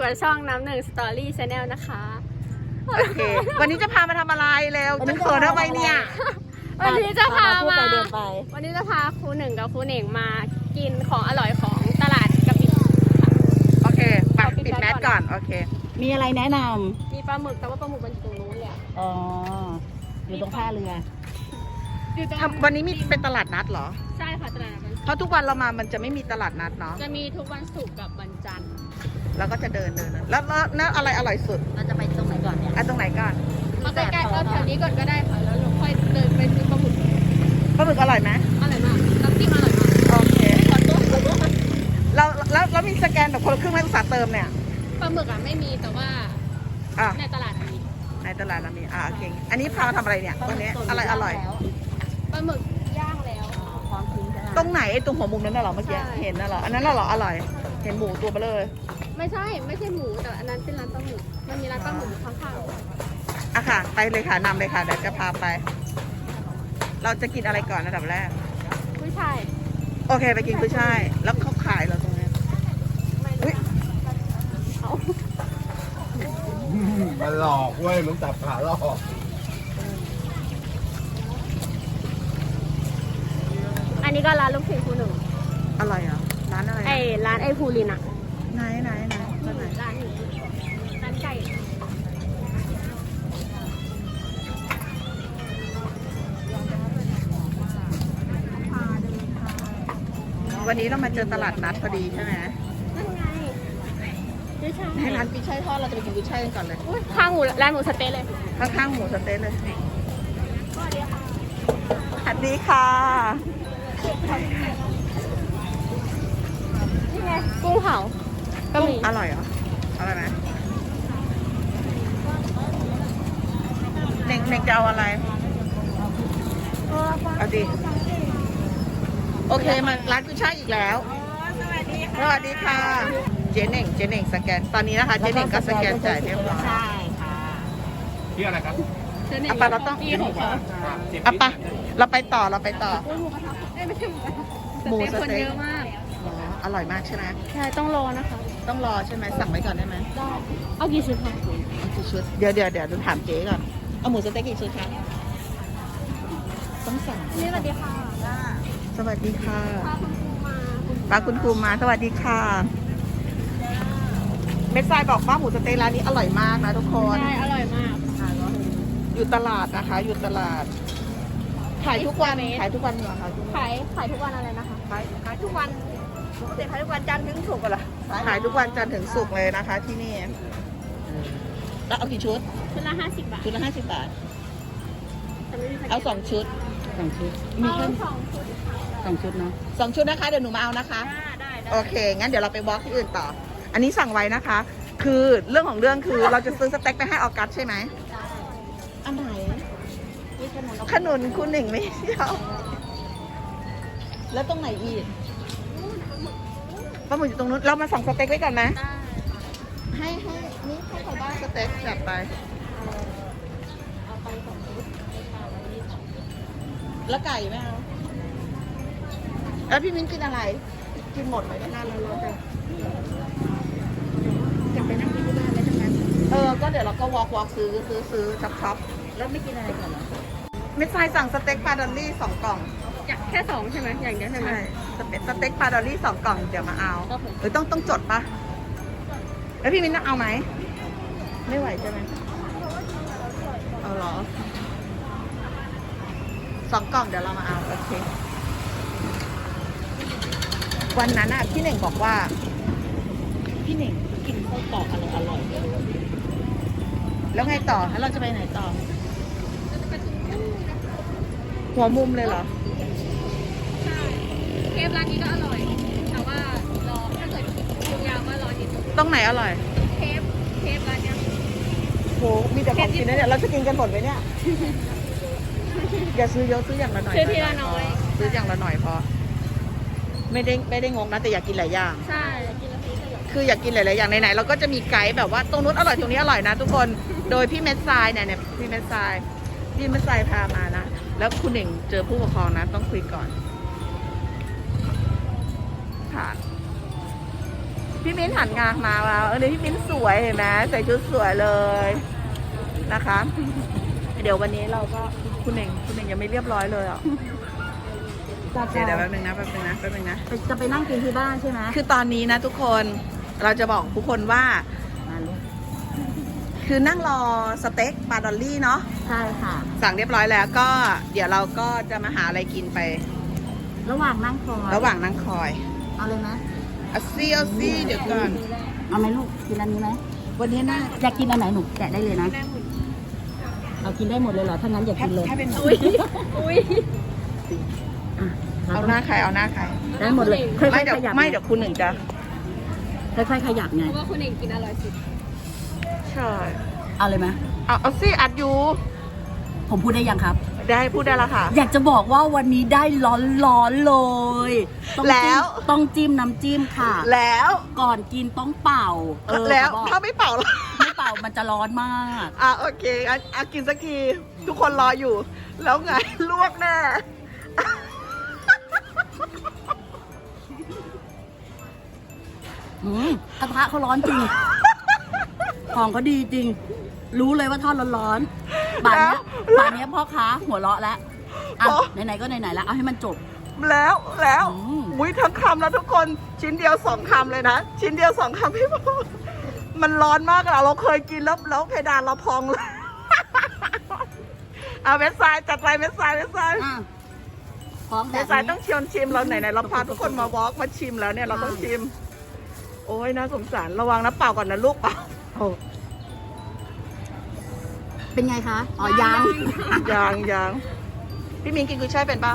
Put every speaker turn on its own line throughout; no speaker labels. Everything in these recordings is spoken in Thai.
กับช่องน้ำหนึ่งสตอรี่ชาแนลนะคะ
โอเค วันนี้จะพามาทำอะไรแล้วจะเขินทำไมเนี่ย
วันนี้จะพามา
เดินไป
วันนี้จะพาครูหนึ่งกับครูเหน่งมากินของอร่อยของตลาดกะปิ
โอเคไปปิดแมสก่อน โอเค
มีอะไรแนะน
มีปลาหมึกแต่ว่าปลาหมึกมันอยู่ตรงนู้นเลยอะ
ำอ๋อ อยู่ตรงท่าเรือ
อยู่ตรง
วันนี้มีเป็นตลาดนัดเหรอ
ใช่ค่ะตลาดนัด
เพราะทุกวันเรามามันจะไม่มีตลาดนัดเนาะ
จะมีทุกวันศุกร์กับวันจันทร์
เราก็จะเดินแล้วอะไรอร่อยสุด
เราจะไปตรงไหนก่อนเนี่ย
ตรงไหนก่อน
เอาใกล้ๆเอาแถวนี้ก่อนก็ได้ค่ะแล้วเราค่อยเดินไปซื้อปลาหมึก
ปลาหมึกอร่อยไหม
อร่อยมากน้ำจิ้มอร่อยมาก
โอเค
ขอโทษ
แล้วมีสแกนแบบคนละครึ่งไหมอุตสาห์เติมเนี่ย
ปลาหมึกอะไม่มีแต่ว่า
อ่ะ
ในตลาดมี
ในตลาดเรามีโอเคอันนี้พามาทำอะไรเนี่ยวันนี้อะไรอร่อย
ปลาหมึกย่างแล้ว
ความทิ้งใช่ไหม
ตรงไหนไอ้ตรงหัวมุมนั้นน่ะเหรอเมื่อกี้
ใช่
เห็นน่ะเหรออันนั้นน่ะเหรออร่อย เห็นหมูตัวเบลอ
ไม่ใช่หมูแต่อันนั้นเป็นร้านปลาหมึกมันมีร้านปลาหมึกอยู่ข้างๆด้วย
อะค่ะ ไปเลยค่ะนำเลยค่ะเดี๋ยวจะพาไป เราจะกินอะไรก่อนอันดับแรก
กุ้ยช่าย
โอเคไปกินกุ้ยช่ายแล้วเขาขายเราตรงนี้
ไม่
อุ๊ย
เอา
มันหลอกเว้ย มันจับขาหลอก
อันนี้ก็ร้านลูกชิ้นครูหนึ่ง
อร่อยเหรอร้านอะไร
ร้านไอ้ภูรินอะ
ไหนร้านไหน
ร้านนี้ร้านไก่
วันนี้เรามาเจอตลาดนัดพอดีใช่ไหม
นั่นไงกุ้ยช่าย
ให้ร้านกุ้ยช่ายทอดเราจะไปกินกุ้ยช่ายกันก่อนเลย
อุ๊ยข้างหมูร้านหมูสะเต๊ะเลย
ข้างๆหมูสะเต๊ะเลย
สวัสดีค่ะ
สวัสดีค่ะ
นี่ไงกุ้งเผาก็มี
อร่อยเหรออร่อยไหมเน่งจะเอาอะไรเอาดิโอเคมาร้านกุ้ยช่ายอีกแล้วสวัสดีค่ะเจ๊เน่งสแกนตอนนี้นะคะเจ๊เน่งก็สแกนจ่ายเรียบร้อย
ใช่ค่ะ
ที่อะไรครับ
อ่ะปะเราต้อง
มีของเขา
อ่ะปะเราไปต่อ
กุ้งหมูกระทะไม่ใช่หมูกระทะ
หมูส
คน
เต๊ะ
เยอะมาก
อ๋ออร่อยมากใช่ไหม
ใช่ต้องรอนะคะ
ต้องรอใช่ไหมสั่งไว้ก่อนได้ไหม
ได้เอากี่ชุดคะ
เอากี่ชุดเดี๋ยวถามเจ๊ก่อนเอาหมูสเต็กกี่ชุดคะต้องสั่ง
นี่สวัสดีค่ะ
สวัสดีค่ะ
พาคุณครูมา
ป้าคุณครูมาสวัสดีค่ะเม็ดทรายบอกว่าหมูสเต๊กร้านนี้อร่อยมากนะทุกคน
ใช่อร่อยมาก
อยู่ตลาดนะคะ อยู่ตลาดขายทุกวันขายทุกวันเหรอคะ
ขายทุกวันอะไรนะคะ
ขายทุกวันปกติขายทุกวันจันทร์ถึงศุกร์เหรอขายทุกวันจันทร์ถึงศุกร์เลยนะคะ ที่นี่แล้วเอากี่ชุด
ชุดละ50 บาท
ชุดละ50 บาท
แต่ไม่มีใคร
เอา2 ชุด
2 ชุด
มี
มี
แค่
แค่
2 ชุดค่ะ
2 ชุดเนาะ
2 ชุดนะคะเดี๋ยวหนูมาเอานะคะ
ได้
โอเค งั้นเดี๋ยวเราไปบล็อกที่อื่นต่อ อันนี้สั่งไว้นะคะ คือเรื่องของเรื่องคือเราจะซื้อสเต็กไปให้ออกัสใช่ไหมอันไหน
นี่ขนม
ขนุนคุณหนึ่งไม่ชอบแล้วตรงไหนอีกปลาหมึกอยู่ตรงนู้น เรามาสั่งสเต็กไว้ก่อนนะ ให้นี่ให้ใครบ้างสเต็กจัดไป
เอาไป2 ชุด
แล้วไก่ไหมเอาแล้วพี่มิ้นกินอะไร กินหมดไหมเนี่ยเราจะไปนั่งกินที่บ้านเลยทั้งนั้นก็เดี๋ยวเราก็วอล์กซื้อช็อป
แล้วไม่กินอะไรก่อนเหรอ
มิสไซสั่งสเต็กปลาดอลลี่2 กล่อง
อยากแค่2ใช่ไหมอย่างเดียวใช่ไหม
ใช่สเต็กปลาดอลลี่2 กล่องเดี๋ยวมาเอา
ครับผม
หรือต้องจดปะแล้วพี่มิ้นเอาไหมไม่ไหวใช่ไหมเอาเหรอ2 กล่องเดี๋ยวเรามาเอาโอเควันนั้นอ่ะพี่เน่งบอกว่า
พี่เหน่งกินข้าวตอกอะไรอร่อย
แล้วไงต่อแล้วเราจะไปไหนต่อ หัวมุมเลยเหรอ
ใช่เคฟร้านนี้ก็อร่อย แต่ว่ารอถ้าเกิดคิวยาวก็รอนิดนึง
ตรงไหนอร่อย
เคฟร้านเนี้ย
โหมีแต่ของกินนะเนี่ยเราจะกินกันหมดไหมเนี่ย อย่าซื้อเยอะซื้ออย่างละหน่อย
ซื้อทีละน้อย
ซื้ออย่างละหน่อยพอไม่ได้งงนะแต่อยากกินหลายอย่าง
ใช่กินแล้วซื้อเลย
คืออยากกินหลายๆอย่างไหนๆเราก็จะมีไกด์แบบว่าตรงนู้นอร่อยตรงนี้อร่อยนะทุกคนโดยพี่เม็ดทรายเนี่ยพี่เม็ดทรายพามานะแล้วคุณเองเจอผู้ปกครองนะต้องคุยก่อนผ่านพี่มิ้นหันงานมาแล้วพี่มิ้นสวยเห็นไหมใส่ชุดสวยเลยนะคะ เดี๋ยววันนี้เราก็คุณเองยังไม่เรียบร้อยเลยอ่ะเดี๋ยวแป๊บนึงนะ
จะไปนั่งกินที่บ้านใช่ไหม
คือตอนนี้นะทุกคนเราจะบอกทุกคนว่า
มาลูก
คือนั่งรอสเต็กปลาดอลลี่เนาะ
ใช่ค่ะ
สั่งเรียบร้อยแล้วก็เดี๋ยวเราก็จะมาหาอะไรกินไป
ระหว่างนั่งคอย
ระหว่างนั่งคอย
เอาเลยไหม
เอาซี่เดี๋ยวก่อน
เอาไหมลูกกินอันนี้ไหม
วันนี้น่า
อยากกินอันไหนหนูแกะได้เลยนะเอากินได้หมดเลยเหรอถ้างั้นอย่ากินเลย
ให้เป็น
อุ้ย
อ่ะ
เอาหน้าใครเอาหน้าใคร
ได้หมดเลยค่
ไม่
อย
เดี๋
ๆ
ยว
ขยับ
ไม่เดี๋ยวคุณหนึ่งจะ
ค่อยๆขยับไง
เพราะว่าคุณเองกินอร่อยสุด
ใช่
เอาเลยไหม
เอาซี่อัดอยู่
ผมพูดได้ยังครับ
ได้พูดได้แล้วค่ะ
อยากจะบอกว่าวันนี้ได้ร้อนๆเลยต้อง
แล้
จิ้ม
ว
ต้องจิ้มน้ำจิ้มค่ะ
แล้ว
ก่อนกินต้องเป่า
แล้ว
เขาบอก
ถ้าไม่เป่าล่ะ
ไม่เป่ามันจะร้อนมาก
โอเคอ่ะกินสักทีทุกคนรออยู่ แล้วไงลวกแน่
กระทะเขาร้อนจริง ของเขาดีจริง รู้เลยว่าทอดร้อนๆป่านเนี้ยพ่อค้าหัวเราะแล้วอ่ะไหนๆก็ไหนๆแล้วเอาให้มันจบ
แล้ว
อืม
อุ้ยทั้งคำแล้วทุกคนชิ้นเดียว2 คำเลยนะชิ้นเดียว2 คำพี่พอมันร้อนมากเราเคยกินแล้วเพดานเราพองเลย เอาเม็ดทรายจัดไปเม็ดทราย
อ่ะของแบ
เม็ด
บ
ทราย
นี้
ต้องชิมเราไหนเราพาทุกคนมาวอล์กมาชิมแล้วเนี่ยเราต้องชิม โอ้ยน่าสงสารระวังนะเปล่าก่อนนะลูกเปล่า
เป็นไงคะอ๋อยัง
ยังพี่มินกินกุ้ยช่ายเป็นปะ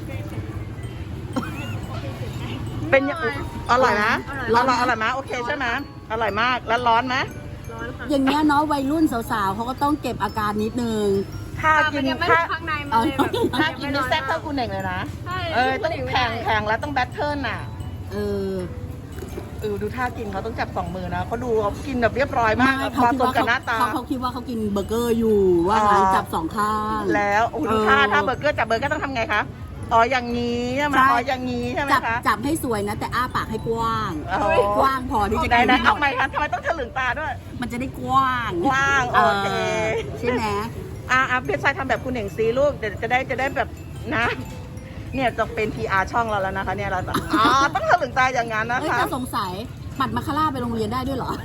เป็นยังอร่อยนะอร่อยไหมโอเคใช่ไหมอร่อยมากแล้วร้อนไหม
ร้อนค่ะ
อย่างเงี้ยเนาะวัยรุ่นสาวๆเขาก็ต้องเก็บอาการนิดนึง
ถ้ากิน
ยังไม่
ถ้า
ถึงข้างในมันเลยแบบ
ถ้ากินนี่แซ่บเท่าคุณเองเลยนะ
ใช่
ต้องแข่งแล้วต้องแบทเทิลน่ะ
เออ
ดูท่ากินเขาต้องจับ2 มือนะเขาดูเขากินแบบเรียบร้อยมาก
ไม่
มาตรงกับหน้าตา
เขาคิดว่าเขากินเบอร์เกอร์อยู่ว่างั้นจับ2 ข้าง
แล้วดูถ้าเบอร์เกอร์จับเบอร์เกอร์ต้องทำไงคะอ๋ออย่างนี้ใช่ไหมอ๋ออย่างนี้ใช่ไหม
จับ
คะ
จับให้สวยนะ แต่อ้าปากให้กว้าง
โอ้โห
กว้างพอที่จะ
ได้
กิน
ได้
หม
เอา
ด
ไหมคะทำไมต้องถลึงตาด้วย
มันจะได้กว้าง
กว้างโอเค
ใช่ไหม
เพชรชายทำแบบคุณเองซีลูกเดี๋ยวจะได้แบบนะ เนี่ยจะเป็น PR ช่องเราแล้วนะคะเนี่ยเราต้องต้องถลึงตาอย่างนั้นนะ
เอ้ย
คะ
จะสงสัยปัดมาคาร่าไปโรงเรียนได้ด้วยเหรอ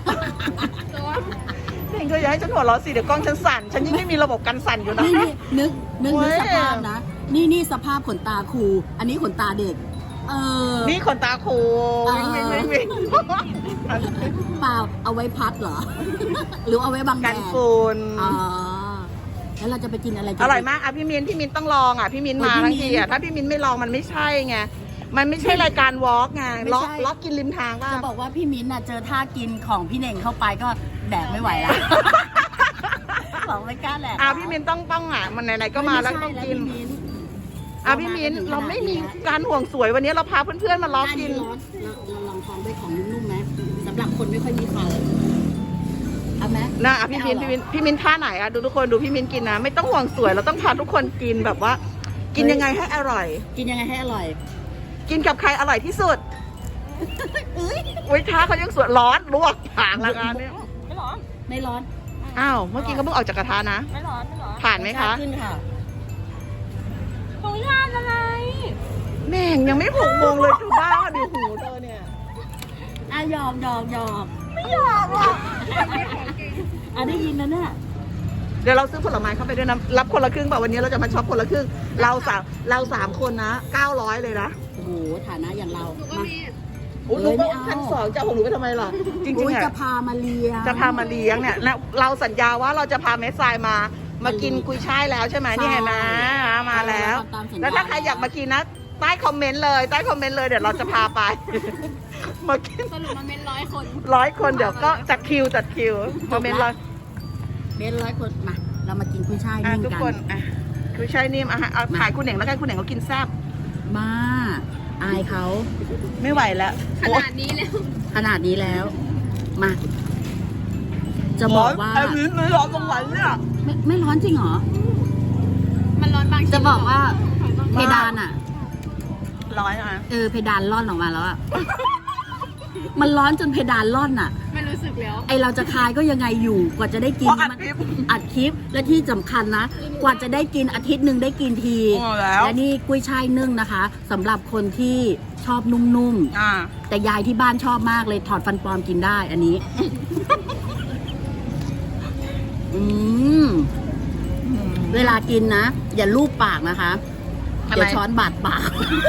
เองก็อย่าให้ฉันหัวเราะสิเดี๋ยวกล้องฉันสั่นฉันยิ่งไม่มีระบบกันสั่นอยู่นะ
นี่นึก
เว้ย
สภาพนะ นี่สภาพขนตาครู อันนี้ขนตาเด็ก
นี่ขนตาคู วิ่ง
เปล่าเอาไว้พัดเหรอ หรือเอาไว้บังแด
กัน
ด
ฝุ่น
อ๋อแล้วเราจะไปกินอะไรกั
อร่อยมากพี่มินต้องลองพี่มินมาทั้งทีถ้าพี่มินไม่ลองมันไม่ใช่ไงมันไม่ใช่รายการวอล์กไงล็อกกินริมทางว่า
จะบอกว่าพี่มิ้นท์น่ะเจอท่ากินของพี่เน่งเข้าไปก็แดกไม่ไหวแล้ว บอกไม่กล้าแหละ
พี่มินต้องมันไหนๆก็มาแล้วต้องกิน พี่มินเราไม่มีการห่วงสวยวันนี้เราพาเพื่อนๆมาล้อกิน
เราลองทองด้วยของนุ่มๆไหมสำหรับคนไม่ค่อยมีเขาเอาไหม
นะพี่มินท่าไหนดูทุกคนดูพี่มินกินนะไม่ต้องห่วงสวยเราต้องพาทุกคนกินแบบว่า กินยังไงให้อร่อย
กินยังไงให้อร่อย
กินกับใครอร่อยที่สุดอุ้ยท้าเขายังสวยร้อนลวกผางละกันเนี่ย
ไม่ร้อน
ไม่ร้อน
อ้าวเมื่อกี้ก็เพิ่งออกจากกระทะนะ
ไม่ร้อน
ผ่านไหมคะ
ขึ้นค่ะ
ของญาติอะไร
แม่งยังไม่6 โมงเลยคือบ้าดิหูเธอเนี่ย
ยอม
ไม่อยากหรอก
ได้ยินแล้วเนี่ย
เดี๋ยวเราซื้อผลไม้เข้าไปด้วยนะรับคนละครึ่งป่ะวันนี้เราจะมาช็อปคนละครึ่งเราสามคนนะ900เลยนะ
โอ้โหฐานะอย่างเรา
หนูก็
มา
มี
อุ้ยหนูก็1,200จะเอาของหนูไปทำไมล่ะจริง
อุ๊ย
ๆ
จะพามาเลี้ยง
จะพามาเลี้ยงเนี่ยแล้วเราสัญญาว่าเราจะพาเมสไซายมากินกุยช่ายแล้วใช่ไหมนี่เห็นไหมมาแล้ว แล้วถ้าใครอยากมากินนะใต้คอมเมนต์เลยเดี๋ยวเราจะพาไป มากิน
สรุปมันเป็น100 คน
100 คนเดี๋ยวก็จัดคิวคอมเมนต์เลย
เบน100 คนมาเรามากินกุ้ยช่ายนิ่ม
ทุก
กัน
คนกุยช่ายนิ่มเอาถ่ายคุณเหน่งแล้วกันคุณเหน่งเขากินแซ่บ
มาอายเขา
ไม่ไหวแล้ว
ขนาดนี้แล้ว
ขนาดนี้แล้ว มา จะบอกว่า
ไอ้มิ้นไม่ร้อนตรงไหนเนี่ย
ไม่ร้อนจริงเหรอ
มันร้อนบางชิ้น
จะบอกว่าเพดานอ่ะ
ร้อยนะ
เพดานร่อนออกมาแล้วอ่ะมันร้อนจนเพดานร่อนอ่ะ
ไม่รู้สึกแล้ว
ไอเราจะคายก็ยังไงอยู่กว่าจะได้กิน
เพราะอัด
มัน
คลิป
อัดคลิปและที่สำคัญนะ กว่าจะได้กินอาทิตย์หนึ่งได้กินที
อ๋อแล้ว
และนี่กุ้ยช่ายนึ่งนะคะสำหรับคนที่ชอบนุ่ม
อ่า
ๆแต่ยายที่บ้านชอบมากเลยถอดฟันปลอมกินได้อันนี้ อืมเวลากินนะ อย่าลูบปากนะคะ
ทำไม
อย่าช้อนบาดปาก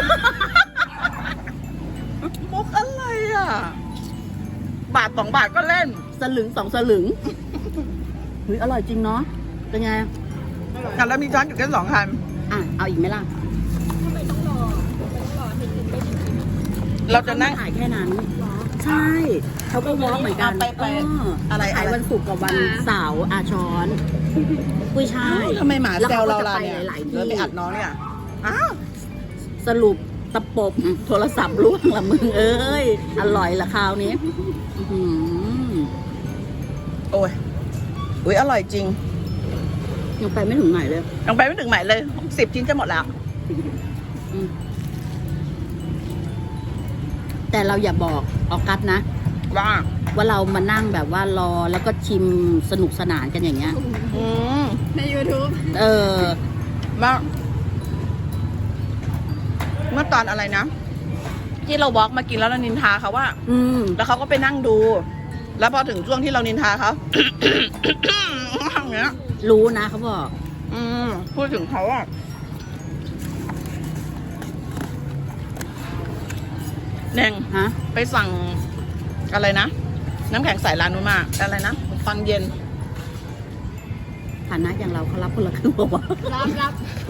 มุกอะไรอ่ะ บาท2 บาทก็เล่น
สลึง2 สลึงเฮ้ยอร่อยจริงเนาะเป็นไง
แล้วมีช้อนอยู่แค่2 คัน
อ่ะเอาอีกไหมล่ะ
เราจะนั่ง
ถ่ายแค่นั้น ใช่เขาก็วอล์กเหมือนกัน
ไป อะไร
ขายวันศุกร์กับวันเสาร์อาช้อนกุ้ยช่าย
ทำไมหมา
แล้ว
แซว
ก็
เรา
จะ
ล่ะ
ไป
เนี่ย
หลายๆที่
แล้วไปอัดน้องเนี่ยอ้าว
สรุปตะปบโทรศัพท์ร่วงละมึงเอ้ย อร่อยละคราวนี้อื้อหือ
โอ้ยอุ้ยอร่อยจริง
ยังไปไม่ถึงไหนเลย
ยังไปไม่ถึงไหนเลย10 ชิ้นจะหมดแล้ว
อืมแต่เราอย่าบอกออกัสนะ
ว่า
ว่าเรามานั่งแบบว่ารอแล้วก็ชิมสนุกสนานกันอย่างเงี้ย
อืม
ใน YouTube
เออ
เมื่อตอนอะไรนะ ที่เราวอล์กมากินแล้วเรานินทาเขาว่า
อืม
แล้วเขาก็ไปนั่งดู แล้วพอถึงช่วงที่เรานินทาเขา อย่างเงี้ย
รู้นะเขาบอก
พูดถึงเขาอะเน่ง
ฮะ
ไปสั่งอะไรนะ น้ำแข็งใส่ร้านนู้นมาอะไรนะฟังเย็น
ฐานะอย่างเราเขารับคนละครึ่งบอกว่า
รับ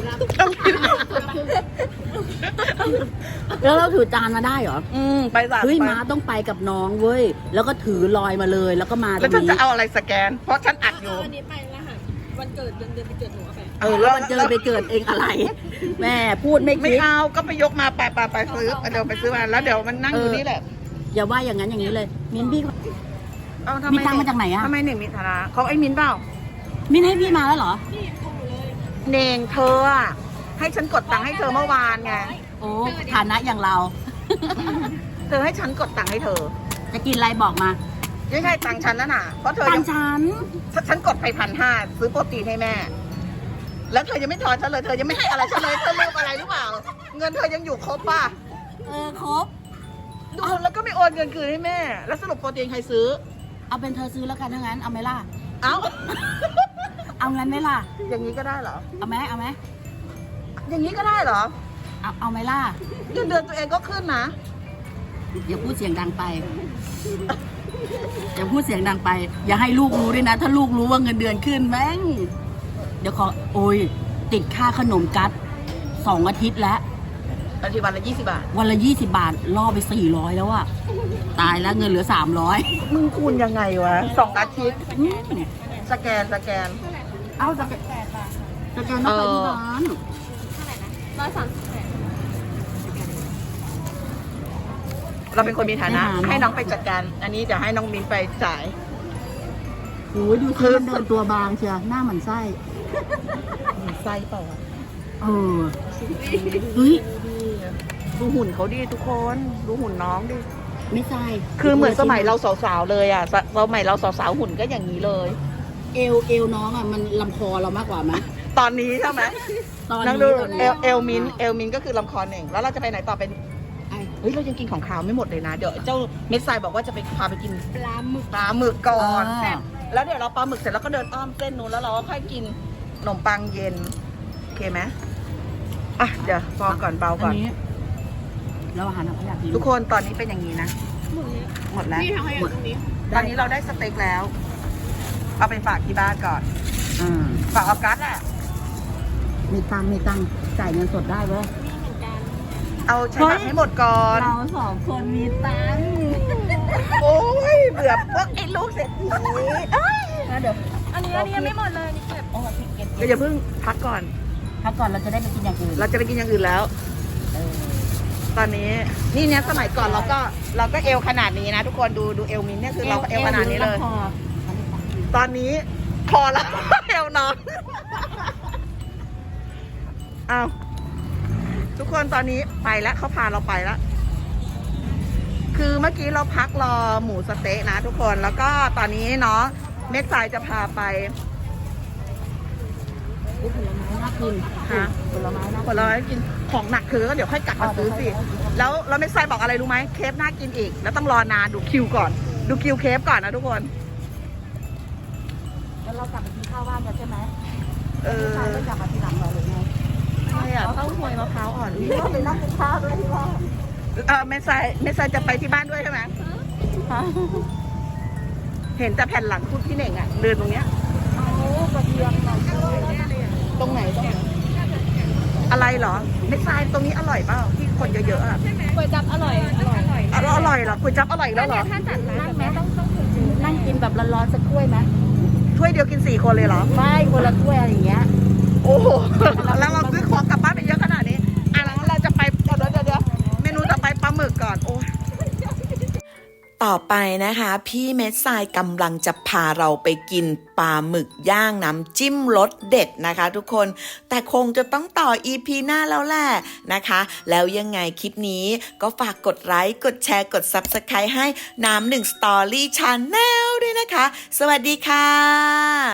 แล้วเราถือจานมาได้เหรอ
ไปสั่ง
เฮ้ย
ไป
ม้าต้องไปกับน้องเว้ย แล้วก็ถือลอยมาเลย แล้วก็มาตร
แล้ว
ง
ฉัน
นี้
จะเอาอะไรสแกน เพราะฉันอัดอยู่
วันนี้ไปรหัสวันเกิดเดือนไปเกิดหนูเอาไป
แล้วมันเจอไปเกิดเองอะไร แม่พูดไม่
ไม่
คิด
เอาก็ไปยกมาไปซื้อเดี๋ยวไปซื้อมาแล้วเดี๋ยวมันนั่งอยู่นี่แหละ
อย่าว่าอย่างนั้นอย่างนี้เลย มิ้นพี่
เอาทำ
มี
ไม
ตังค์มาจากไหนอะ
ทำไมหนึ่งมีฐานะเขาไอ้มินเปล่า
มิ้นให้พี่มาแล้วเหรอ
เน่งเธออะให้ฉันกดตังค์ให้เธอเมื่อวานไง
โอ้ฐานะอย่างเรา
เธอให้ฉันกดตังค์ให้เธอ
จะกินอะไรบอกมา
ไม่ใช่ตังค์ฉันนะน่ะเพราะเธอ
ตั
ยัง ง
ฉัน
ฉันกดไป1,500ซื้อโปรตีนให้แม่ แล้วเธอยังไม่ทอนฉันเลยเธอยังไม่ให้อะไรฉันเลยเธอลืมอะไรหรือเปล่า เงินเธอยังอยู่ครบป่ะ
ครบ
ดูแล้วก็ไม่โอนเงินคืนให้แม่ แล้วสรุปโปรตีนใครซื้อ
เอาเป็นเธอซื้อแล้วกันถ้างั้น เอาไหมล่ะ
เอ้า
เอางั้นไหมล่ะ
อย่างนี้ก็ได้เหรอ
เอาไหมเอาไหม
อย่างนี้ก็ได้เหรอ
เอาไหมล่ะ
เงินเดือนตัวเองก็ขึ้นนะ
อย่าพูดเสียงดังไป อย่าพูดเสียงดังไป อย่าให้ลูกรู้ด้วยนะ ถ้าลูกรู้ว่าเงินเดือนขึ้นแม่ง เดี๋ยวโอ้ย ติดค่าขนมกัด2 อาทิตย์แล้ว
อาทิตย์วันละ20 บาท
วันละ20 บาท ล่อไป400แล้วอะตายแล้วเงินเหลือ300
มึงคูณยังไงวะ2 อาทิตย์ สแกน
เอาจะต้องไปที่ร้าน
เราเป็นคนมีฐานะ
ไม่หาเนอะ
ให้น้องไปจัดการ อันนี้เดี๋ยวให้น้องมินไปจ่าย
โอ้ยดูสิมันเดินตัวบางเชียวหน้าเหมือนไส้
ไส้เปล่าวะ
เออเฮ้ย
ดูหุ่นเขาดิทุกคน ดูหุ่นน้องดิ
ไม่ไส้
คือเหมือนสมัยเราสาวๆเลยอ่ะสมัยเราสาวๆหุ่นก็อย่างนี้เลย
เอวน้องอ่ะมันลำคอเรามากกว่าไหม
ตอนนี้ใช่ไหม
ตอน
นั่ง
นี้
ดู
ตอน
เอ
นี้
ลเอลมินก็คือลำคอหนึ่งแล้วเราจะไปไหนต่อเป็น
ไอ้
เฮ้ยเรายังกินของขาวไม่หมดเลยนะ เดี๋ยวเจ้าเม็ดทรายบอกว่าจะไปพาไปกิน
ปลาหมึก
ปลาหมึกก่อน
อ่า
แล้วเดี๋ยวเราปลาหมึกเสร็จแล้วก็เดินอ้อมเส้นนู้นแล้วเราก็ค่อยกินขนมปังเย็นโอเคไหมอ่ะเดี๋ยวพอก่อนเบาก่อน
นนี้เราอาหารเราอยากกิน
ทุกคนตอนนี้เป็นอย่างนี้นะ หมดแล้ว
นี่ทางขยะตรงนี้
ตอนนี้เราได้สเต็กแล้ว เอาไปฝากที่บ้านก่อน
อ่า
ฝากออกัสแหละ
มีตังค์จ่ายเงินสดได้เว้ย
เอาใช้บัตรให้หมดก่อน
เรา2 คนมีตังค์
โอ้ยเบื่อพวกไอ้ลูกเศรษฐีเอ้ย
นะเดี๋ยว
อันนี้ยังไม่หมดเลยนี่เก็บ
โอ้พี่เก็บ
เดี๋ยวอย่าเพิ่งพักก่อน
พักก่อนเราจะได้ไปกินอย่างอื่น
เราจะไปกินอย่างอื่นแล้ว
เออ
ตอนนี้นี่เนี่ยสมัยก่อนเราก็เอวขนาดนี้นะ ทุกคนดูเอวมินเนี่ยคือเราก็เอวขนาดนี้เลย
พอ
ตอนนี้พอแล้ว เอวน้องเอาทุกคนตอนนี้ไปแล้วเขาพาเราไปแล้วคือเมื่อกี้เราพักรอหมูสะเต๊ะนะทุกคนแล้วก็ตอนนี้เนาะเม็ดทรายจะพาไป
ผลไม้น่ากิน
ฮะ
ผลไม้น่า
ผลไม้กินของหนักคือก็เดี๋ยวค่อยกลับมาซื้อสิแล้วเม็ดทรายบอกอะไรรู้ไหมเคฟน่ากินอีก แล้วต้องรอนานดูคิวก่อน ดูคิวเคฟก่อนนะทุกคน
แล้วเรากลับไปกินข้าวบ้านกันใช่ไหม
เออ
ใช่ก็กลับมาทีหลังเราเลยไง
ใช่อะเต้าหวยมะพร้าวอ่อน
พี่ก็ไปนั่งกินข้าวด้วยที่บ้าน
เม็ดทรายจะไปที่บ้านด้วยใช่ไหมเห็นแต่แผ่นหลังคุณพี่เน่งอะเดินตรงเนี้ย
เอากระเทียมหน่อย
ตรงไหนอะไรเหรอเม็ดทรายตรงนี้อร่อยเปล่าที่คนเยอะๆอะ
ก๋วยจับอร่อยอร่อย
อร่อยเหรอก๋วยจั๊บอร่อยแล้วเหรอ
ถ้าจัดร้าน
นั่ง
แบบ
ไหม
นี้ต้องถึง
นั่งกินแบบร้อนๆสักถ้วยไหม
ถ้วยเดียวกิน4 คนเลยเหรอ
ไม่คนละถ้วยอะไรอย่างเงี้ย
โอ้โห แล้วเราซื้อของกลับบ้านไปเยอะขนาดนี้อ่ะแล้วเราจะไปเดี๋ยวเมนูต่อไปปลาหมึกก่อนโอ้ยต่อไปนะคะ พี่เม็ดทรายกำลังจะพาเราไปกินปลาหมึกย่างน้ำจิ้มรสเด็ดนะคะทุกคน แต่คงจะต้องต่อ EP หน้าแล้วแหละนะคะ แล้วยังไงคลิปนี้ก็ฝากกดไลค์กดแชร์กด Subscribe ให้น้ำ1 Story Channel ด้วยนะคะ สวัสดีค่ะ